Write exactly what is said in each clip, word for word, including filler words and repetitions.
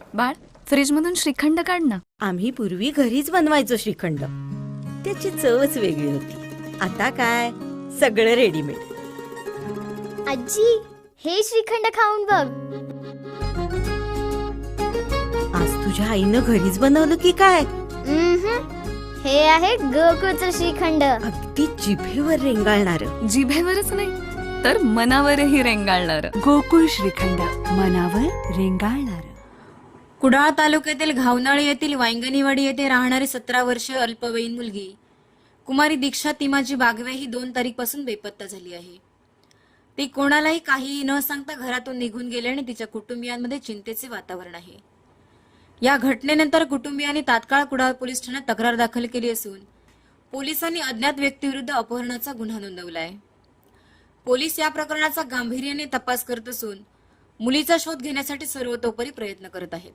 बाळ, फ्रीज मधून श्रीखंड काढ ना. आम्ही पूर्वी घरीच बनवायचो श्रीखंड. त्याची चवच वेगळी होती. आता काय सगळं रेडीमेड. आजी, हे श्रीखंड खाऊन बघ. आज तुझ्या आईनं घरीच बनवलं की काय? उम्हम. हे आहे गोकुळचं श्रीखंड. अगदी जिभेवर रेंगाळणार. जिभेवरच नाही तर मनावरही रेंगाळणार. गोकुळ श्रीखंड, मनावर रेंगाळणार. कुडाळ तालुक्यातील घावनाळी येथील वांगणीवाडी येथे राहणारी सतरा वर्ष अल्पवयीन मुलगी कुमारी दीक्षा तिमाजी बागवे ही दोन तारीखपासून बेपत्ता झाली आहे. ती कोणालाही काहीही न सांगता घरातून निघून गेल्याने तिच्या कुटुंबियांमध्ये चिंतेचे वातावरण आहे. या घटनेनंतर कुटुंबियांनी तात्काळ कुडाळ पोलीस ठाण्यात तक्रार दाखल केली असून पोलिसांनी अज्ञात व्यक्तीविरुद्ध अपहरणाचा गुन्हा नोंदवला आहे. पोलीस या प्रकरणाचा गांभीर्याने तपास करत असून मुलीचा शोध घेण्यासाठी सर्वतोपरी प्रयत्न करत आहेत.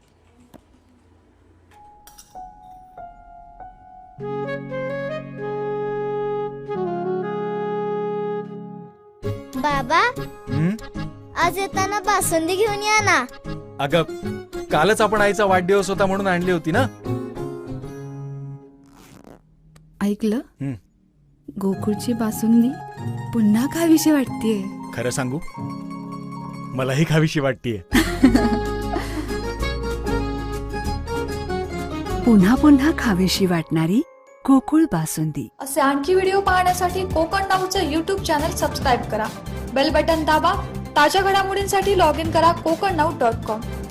बाबा, हं? आज येताना बासुंदी घेऊन या ना. अगं, कालच आपण आईचा वाढदिवस होता म्हणून आणली होती ना. ऐकलं? हं. गोकुळची बासुंदी पुन्हा खावीशी वाटतेय. खरं सांगू, मलाही खावीशी वाटतीये. पुन्हा पुन्हा खावीशी वाटणारी गोकुळ बासुंदी. असे आणखी व्हिडिओ पाहण्यासाठी कोकण नाऊचं यूट्यूब चॅनल सबस्क्राईब करा. बेल बटन दाबा. ताज्या घडामोडींसाठी लॉग इन करा कोकण नाऊ डॉट कॉम.